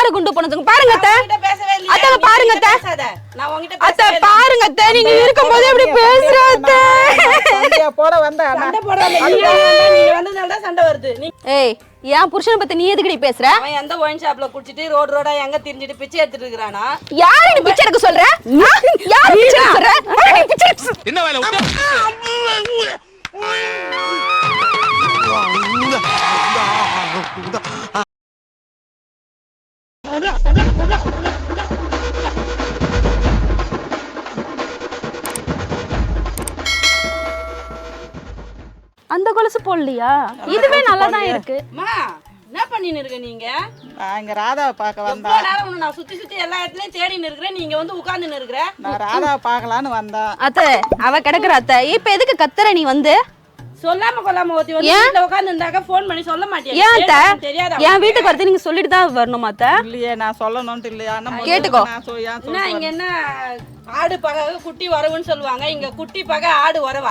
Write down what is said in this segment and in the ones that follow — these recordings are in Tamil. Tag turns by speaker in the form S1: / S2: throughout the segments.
S1: யாரு குண்டு போனதுங்க பாருங்க அத்தை. அத்தை பாருங்க அத்தை.
S2: நான் உன்கிட்ட
S1: அத்தை பாருங்க அத்தை, நீங்க இருக்கும்போது எப்படி பேசுறாத?
S3: சண்டை போட வந்தா
S2: சண்டை போடாத, நீ வந்ததால தான் சண்டை வருது.
S1: ஏய், என் புருஷனை பத்தி நீ எதுக்குடி பேசுற?
S2: அவன் எந்த ஒயின் ஷாப்ல குடிச்சிட்டு ரோட் ரோடா எங்க திரிஞ்சிட்டு பிச்சை எடுத்துட்டு இருக்கானா?
S1: யாரு நீ பிச்சை எடுக்க சொல்ற? யாரு பிச்சை எடுக்க சொல்ற?
S4: என்ன வேலை விட்டு
S1: அந்த கொலுசு போடலையா? இதுவே நல்லா தான் இருக்கு.
S2: அம்மா என்ன பண்ணின்னு இருக்க நீங்க?
S3: நான் இங்க ராதாவை பார்க்க வந்தா.
S2: எவ்வளவு நேரம் உன்னை நான் சுத்தி எல்லா இடத்துலயும் தேடின்னு இருக்கிறேன், நீங்க வந்து உட்கார்ந்துன்னு இருக்கிற.
S3: நான் ராதாவை பார்க்கலான்னு வந்தேன்.
S1: அத்தை அவ கிடக்குற அத்தை. இப்ப எதுக்கு கத்துற நீ வந்து?
S2: சொல்லாம கொள்ளாம ஒத்தி வந்து வீட்ல உட்கார்ந்து இருந்தாக்க ஃபோன் பண்ணி சொல்ல மாட்டியா?
S1: ஏன் அத்தை?
S2: தெரியாதா?
S1: என் வீட்டுக்கு வரது நீங்க சொல்லிட்டு தான் வரணும் அத்தை.
S3: இல்லையே நான் சொல்லணும்ட்டு இல்லையா?
S1: கேட்டுக்கோ.
S2: என்ன இங்க என்ன ஆடு பகை குட்டி வரவுன்னு சொல்லுவாங்க, இங்க குட்டி பகை ஆடு வரவா?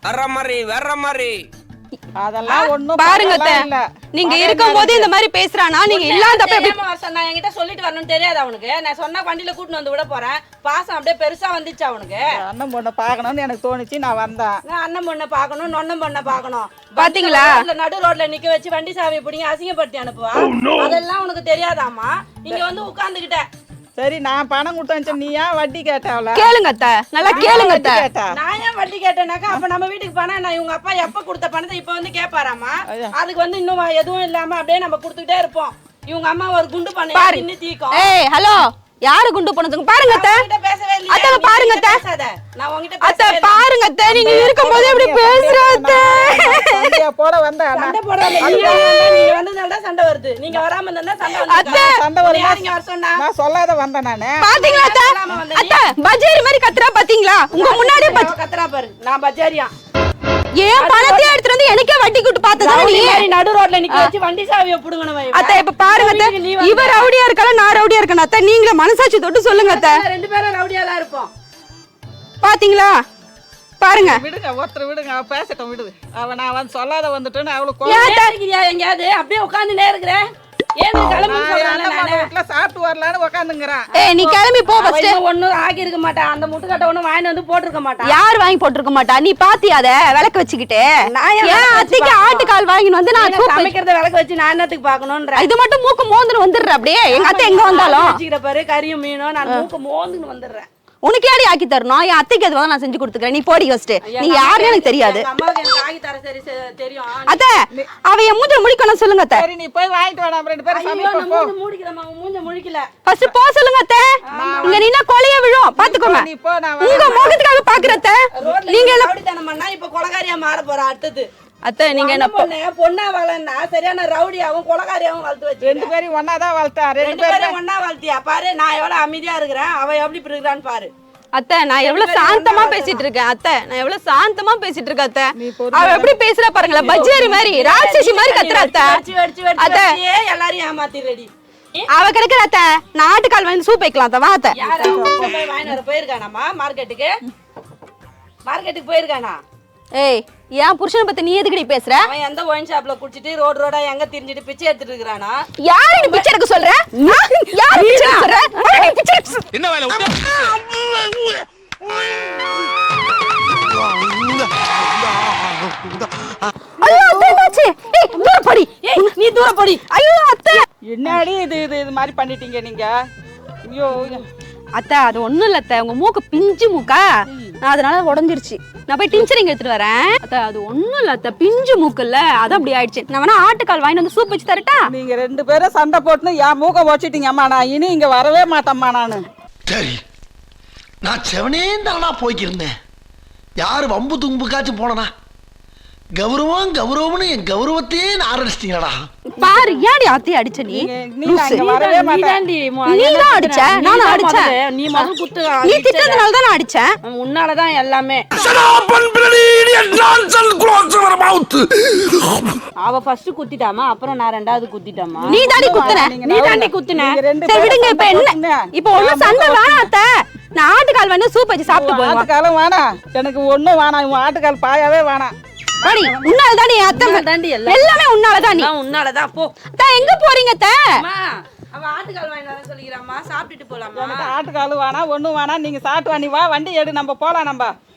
S4: வர்ற மாதிரி
S3: அதெல்லாம் ஒண்ணும்
S1: பாருங்க அத்தை, நீங்க இருக்கும்போது இந்த மாதிரி பேசுறானா? நீங்க இல்லாதப்ப எப்படி
S2: நான் என்கிட்ட சொல்லிட்டு வரணும்னு தெரியாது அவனுக்கு. நான் சொன்னா வண்டியில கூட்டிட்டு வந்து விட போறேன். பாசம் அப்படியே பெருசா வந்துச்சு அவனுக்கு.
S3: அண்ணன் பொண்ணை பார்க்கணும்னு எனக்கு தோணுச்சு, நான் வந்தேன்.
S2: நான் அண்ணன் பொண்ணை பார்க்கணும், நொண்ணம் பொண்ணை பார்க்கணும்.
S1: பாத்தீங்களா?
S2: நடு ரோட்ல நிக்க வச்சு வண்டி சாவியை பிடிங்க அசிங்கப்படுத்தி அனுப்புவா. அதெல்லாம் உனக்கு தெரியாதாமா? இங்க வந்து உட்கார்ந்துகிட்ட.
S3: சரி நான் பணம் கொடுத்தேன், நீ ஏன் வட்டி கேட்டாவல?
S1: கேளுங்க அத்தை, நல்லா கேளுங்க அத்தை.
S2: நான் ஏன் வட்டி கேட்டேனாக்கா, அப்ப நம்ம வீட்டுக்கு பணம் நான் இவங்க அப்பா எப்ப கொடுத்த பணத்தை இப்ப வந்து கேட்பாராமா? அதுக்கு வந்து இன்னும் எதுவும் இல்லாம அப்படியே நம்ம கொடுத்துக்கிட்டே இருப்போம். இவங்க அம்மா ஒரு குண்டு பண்ண இன்னும் தீக்கும்.
S1: ஏய் ஹலோ, யாரு குண்டு போனதுங்க பாருங்க அத்தை.
S2: பேசவே இல்லையா?
S1: அத்தை பாருங்க அத்தை.
S2: நான் உன்கிட்ட
S1: அத்தை பாருங்க அத்தை, நீங்க இருக்கும்போது எப்படி பேசுறாத?
S3: சண்டை போட வந்தா
S2: சண்டை போடாத, நீங்க வந்ததால தான் சண்டை வருது. நீங்க வராம இருந்தா சண்டை வந்து
S3: சண்டை வரும்.
S2: யாருங்க வர சொன்னா?
S3: நான் சொல்லாத வந்தேன் நானு.
S1: பாத்தீங்களா அத்தை? அத்தை பஜாரி மாதிரி கத்துறா பாத்தீங்களா? உங்க முன்னாடியே
S2: கத்துறா பாரு, நான் பஜாரியா.
S1: ஏன் பணத்தை எடுத்துட்டு வந்து எனக்கே வட்டி கூட்டு பார்த்ததா நீ?
S2: நடு ரோட்ல நிக்க வச்சு வண்டி சாவியை புடுங்கணும்.
S1: அத்தை இப்ப பாருங்க அத்தை, இவ ரவுடியா இருக்கல, நான் ரவுடியா இருக்கேன் அத்தை. நீங்களே மனசாட்சி தொட்டு சொல்லுங்க அத்தை.
S2: ரெண்டு பேரும் ரவுடியா தான் இருப்போம்.
S1: பாத்தீங்களா? பாருங்க
S3: விடுங்க, ஒருத்தர் விடுங்க, அவ பேசட்டும் விடுது. அவ நான் வந்து சொல்லாத வந்துட்டேன்னு அவளுக்கு
S2: எங்கயாவது அப்படியே உட்காந்துட்டே இருக்கிறேன். ஏன் கிளம்பி
S3: வீட்டுல சாப்பிட்டு வரலான்னு உட்காந்துங்கிறான்.
S1: ஏய் நீ கிளம்பி போ ஃபர்ஸ்ட்.
S2: ஒண்ணும் ஆகி இருக்க மாட்டான், அந்த முட்டுக்கட்டை ஒண்ணும் வாங்கி வந்து போட்டுருக்க மாட்டான்.
S1: யார் வாங்கி போட்டுருக்க மாட்டா? நீ பாத்தியா அத விளக்கு வச்சுக்கிட்டு? ஏன் அத்தைக்கு ஆட்டுக்கால் வாங்கிட்டு வந்து நான்
S2: சமைக்கிறத விளக்கு வச்சு நான் என்னத்துக்கு பாக்கணும்ன்ற?
S1: இது மட்டும் மூக்கு மோந்துன்னு வந்துடுற அப்படியே. எங்க அத்தை எங்க வந்தாலும்
S2: வச்சுக்கிற பாரு, கறியும் மீனும் நான் மூக்கு மோந்துன்னு வந்துடுறேன்.
S1: உனக்கு யாரு ஆக்கி தரணும்? என் அத்தைக்கு எதுவாக நான் செஞ்சு கொடுத்துக்கிறேன். நீ போடி ஃபர்ஸ்ட். நீ யாருன்னு எனக்கு தெரியாது.
S2: அம்மாவுக்கு எனக்கு ஆகி தர சரி தெரியும்.
S1: அத்தை அவ என் மூஞ்ச முடிக்கணும் சொல்லுங்க அத்தை.
S3: சரி நீ போய் வாங்கிட்டு வாடா, ரெண்டு பேரும் சமைப்போம்.
S2: மூஞ்ச மூடிக்கிறமா, மூஞ்ச முழிக்கல.
S1: ஃபர்ஸ்ட் போ சொல்லுங்க அத்தை. இங்க நின்னா கொலைய விழும் பாத்துக்கோங்க.
S3: நீ போ, நான்
S1: உங்க முகத்துக்காக பாக்குற அத்தை.
S2: நீங்க ரவுடித்தனம் பண்ணா இப்ப கொலகாரியா மாற போற அடுத்தது.
S1: அத்தை நீங்க என்ன
S2: பொண்ணா வளர்னா சரியான ரவுடியாவும் கொலகாரியாவும் வளர்த்து வச்சு
S3: ரெண்டு பேரும் ஒன்னாதான் வளர்த்தா.
S2: ரெண்டு பேரும் ஒன்னா வளர்த்தியா பாரு. நான் எவ்வளவு அமைதியா இருக்கிறேன், அவ எப்படி இருக்கிறான்னு பாரு.
S1: அத்தை நான் எவ்வளவு சாந்தமா பேசிட்டு இருக்கேன் அத்தை. நான் எவ்வளவு சாந்தமா பேசிட்டு இருக்கேன் அத்தை. அவ எப்படி பேசுறா பாருங்களா, பஜ்ஜாரி மாதிரி ராட்சசி மாதிரி கத்துறா அத்தை.
S2: அத்தை எல்லாரையும் ஏமாத்திரடி.
S1: அவ கிடைக்கிற அத்தை. நான் ஆட்டுக்கால் வாங்கி சூப் வைக்கலாம் அத்தை. வா அத்தை.
S2: யார் போய் வாங்கிட்டு வர போயிருக்கானாமா மார்க்கெட்டுக்கு? மார்க்கெட்டுக்கு போயிருக்கானா?
S1: ஏய் என் புருஷனை பத்தி நீ எதுக்குடி பேசுற?
S2: அவன் எந்த ஒயின் ஷாப்ல குடிச்சிட்டு ரோட் ரோடா எங்க திரிஞ்சிட்டு பிச்சை எடுத்துட்டு இருக்கானா?
S1: யாரு நீ பிச்சை எடுக்க சொல்ற? யாரு பிச்சை எடுக்க சொல்ற?
S4: என்ன வேலை விட்டு
S1: ஐயோ அத்தை என்னாச்சு? ஏய் தூர போடி.
S2: ஏய் நீ தூர போடி.
S1: ஐயோ அத்தை
S3: என்னடி இது மாதிரி பண்ணிட்டீங்க நீங்க? ஐயோ
S1: அத்தை அது ஒண்ணும் இல்ல அத்தை. உங்க மூக்கு பிஞ்சு மூக்கா, அதனால உடஞ்சிருச்சு. நான் போய் டிஞ்சரிங் எடுத்துட்டு வரேன் அத்தை. அது ஒண்ணும் இல்ல அத்தை, பிஞ்சு மூக்கு இல்ல, அது அப்படி ஆயிடுச்சு. நான் வேணா ஆட்டுக்கால் வாங்கிட்டு வந்து சூப் வச்சு தரட்டா?
S3: நீங்க ரெண்டு பேரும் சண்டை போட்டுன்னு என் மூக்க வச்சுட்டீங்க அம்மா. நான் இனி இங்க வரவே மாட்டேம்மா நானு.
S5: சரி நான் செவனே தானா போய்க்கிருந்தேன். யாரு வம்பு தும்புக்காச்சும் போனனா? கௌரவம் கௌரவம்னு என் கௌரவத்தையே ஆரம்பிச்சிட்டீங்களா?
S1: பாரு ஏன்டி அத்தைய அடிச்ச நீ?
S3: நீ அங்க வரவே மாட்டேன்.
S1: நீ தான் அடிச்ச, நானும் அடிச்சேன்.
S2: நீ முதல் குத்து.
S1: நீ திட்டறதுனால தான் நான் அடிச்சேன்.
S2: உன்னாலதான் எல்லாமே. அவ ஃபர்ஸ்ட் குத்திட்டாமா, அப்புறம் நான் ரெண்டாவது குத்திட்டாமா.
S1: நீ தாண்டி குத்துன.
S2: நீ தாண்டி குத்துன.
S1: சரி விடுங்க. இப்ப என்ன? இப்ப ஒண்ணு சண்டை வேணாம் அத்தை. நான் ஆட்டுக்கால் வந்து சூப் வச்சு சாப்பிட்டு போறேன்.
S3: ஆட்டுக்காலும் வேணாம் எனக்கு, ஒண்ணும் வேணாம். இவன் ஆட்டுக்கால் பாயாவே வேணாம்.
S1: பாடி உன்னால தானே அத்தை.
S2: தாண்டி
S1: எல்லாமே உன்னால தான். நீ
S2: உன்னாலதான் போ.
S1: அத்தை எங்க போறீங்க அத்தை?
S2: அவ ஆட்டுக்கால் வாங்கிட்டு வர சொல்லிக்கிறாம்மா, சாப்பிட்டுட்டு போலாமா?
S3: எனக்கு ஆட்டுக்கால் வேணா ஒண்ணும் வேணா, நீங்க சாப்பிட்டு வா, நீ வா, வண்டி எடு, நம்ம போலாம் நம்ம.